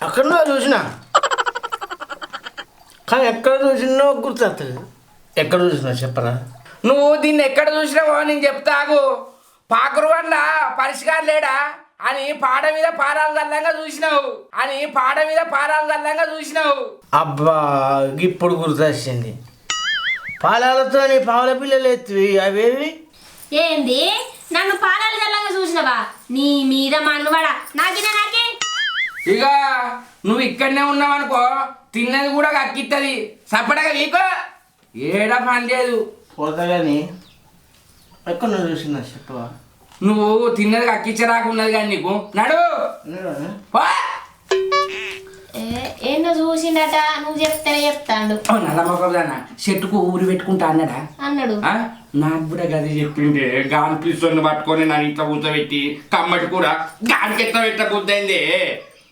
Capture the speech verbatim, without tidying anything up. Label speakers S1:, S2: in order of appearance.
S1: అక్కడ చూసిన కానీ ఎక్కడ చూసినా గుర్తొస్తుంది. ఎక్కడ చూసినా చెప్పరా?
S2: నువ్వు దీన్ని ఎక్కడ చూసినావో నేను చెప్తాగు. పాకురు వల్ల పరిష్కారం లేడా అని పాడ మీద పారాలు చల్లంగా చూసినావు అని పాడ మీద పారాలు చల్లంగా చూసినావు.
S1: అబ్బా ఇప్పుడు గుర్తొచ్చింది. పాలాలతో పావుల పిల్లలు ఎత్తివి అవేవి?
S3: ఏంది నన్ను పాలాలు చల్లంగా చూసినవా? నీ మీద మన్నువాడా నాకినా నాకే.
S2: ఇక నువ్వు ఇక్కడనే ఉన్నావనుకో తిన్నది కూడా అక్కిత్తది. సపడగా నీకో ఏడ పని లేదు.
S1: పోతా కానీ ఎక్కడ చూసినా చెప్పవా?
S2: నువ్వు తిన్నది అక్కిచ్చరాకున్నది కానీ నీకు నడు పో.
S3: ఏందో చూసిండట, నువ్వు చెప్తానే చెప్తాడు.
S2: నల్లమ్మకదాన్న చెట్టుకు ఊరి పెట్టుకుంటా అన్నాడా?
S3: అన్నాడు.
S2: నాకు కూడా గది చెప్పిండే. గాని పిస్తోని పట్టుకొని నన్ను ఇట్లా కూర్చోబెట్టి కమ్మటి కూడా గానికి ఎట్లా పెట్ట బుద్ధి అయింది.